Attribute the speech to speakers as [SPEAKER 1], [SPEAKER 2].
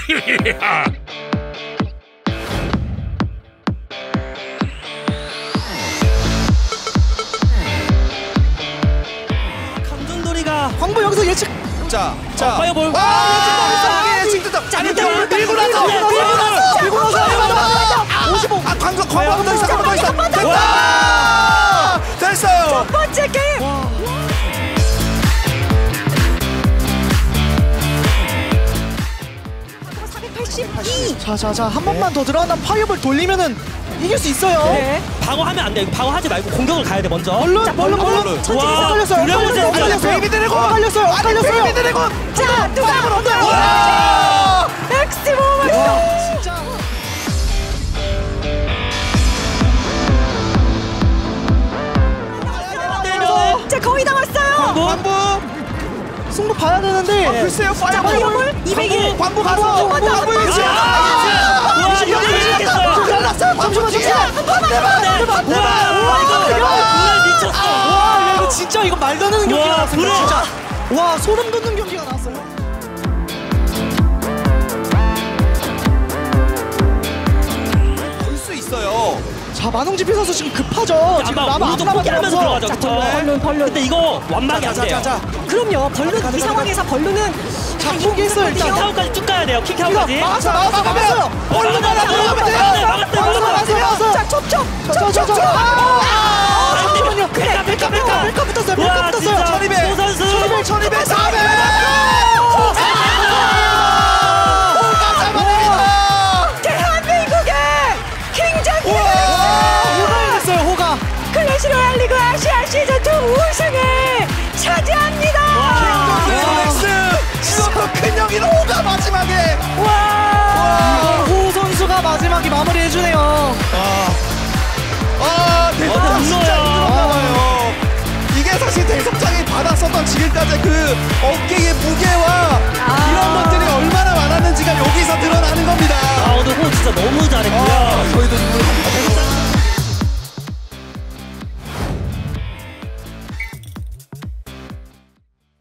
[SPEAKER 1] 강준돌이가
[SPEAKER 2] 광부 여기서 예측.
[SPEAKER 3] 자,
[SPEAKER 1] 파이어볼.
[SPEAKER 3] 예측 됐다. 밀고 나서.
[SPEAKER 2] 55.
[SPEAKER 3] 광부 더 있어. 됐다. 됐어요.
[SPEAKER 4] 첫 번째 게임.
[SPEAKER 2] 자, 한 번만 더 들어간다면 파이어볼 돌리면은 이길 수 있어요.
[SPEAKER 4] 네.
[SPEAKER 1] 방어하면 안 돼. 방어하지 말고 공격을 가야 돼 먼저.
[SPEAKER 2] 얼른.
[SPEAKER 4] 천천히
[SPEAKER 1] 와,
[SPEAKER 4] 서
[SPEAKER 1] 드래곤
[SPEAKER 3] 베이비 드래곤.
[SPEAKER 2] 엇갈렸어요.
[SPEAKER 3] 베이비 드래곤.
[SPEAKER 4] 자, 누가
[SPEAKER 3] 와!
[SPEAKER 4] 엑스트림 오버스.
[SPEAKER 2] 진짜.
[SPEAKER 4] 자, 거의 다 왔어요.
[SPEAKER 3] 광부.
[SPEAKER 2] 승부 봐야 되는데.
[SPEAKER 3] 글쎄요.
[SPEAKER 4] 파이어볼 200일.
[SPEAKER 3] 광부 가서. 광부 유지.
[SPEAKER 1] 와, 이거 이겼어요.
[SPEAKER 2] 잠시만.
[SPEAKER 1] 와, 미쳤어.
[SPEAKER 2] 와, 이거 진짜 이거 말도 안 되는 경기가
[SPEAKER 1] 와,
[SPEAKER 2] 나왔어요.
[SPEAKER 1] 불에.
[SPEAKER 2] 진짜. 와, 소름 돋는 경기가 나왔어요.
[SPEAKER 3] 볼 수 있어요.
[SPEAKER 2] 자, 만홍지피 선수 지금 급하죠. 지금
[SPEAKER 1] 아마
[SPEAKER 2] 남아
[SPEAKER 1] 우도
[SPEAKER 2] 안
[SPEAKER 1] 포기하면서
[SPEAKER 2] 남아서.
[SPEAKER 1] 들어가죠. 그쵸? 근데 이거 완막이 안 돼요.
[SPEAKER 4] 그럼요. 벌룬 이 상황에서 벌룬은
[SPEAKER 2] 자, 포기했어요 일단.
[SPEAKER 1] 킥아웃까지 쭉 가야 돼요. 킥아웃까지.
[SPEAKER 2] 막았어요.
[SPEAKER 3] 얼른 들어가면 돼요.
[SPEAKER 2] 막았어요.
[SPEAKER 4] 자, 촉촉.
[SPEAKER 2] 잠시만요.
[SPEAKER 4] 그래.
[SPEAKER 2] 백카 붙었어요.
[SPEAKER 1] 와, 진짜
[SPEAKER 3] 1200.
[SPEAKER 1] 소 선수.
[SPEAKER 3] 1200, 400.
[SPEAKER 4] 대한민국의 킹장님.
[SPEAKER 2] 호가 됐어요. 호가.
[SPEAKER 4] 클래시 로얄 리그 아시아 시즌2 우승을 차지합니다.
[SPEAKER 3] 이것도 큰 형이는 호가 마지막에.
[SPEAKER 2] 호 선수가 마지막에 마무리해주네요.
[SPEAKER 3] 대성장 진짜 힘들었나봐요. 이게 사실 대성장이 받았었던 지금까지 그 어깨의 무게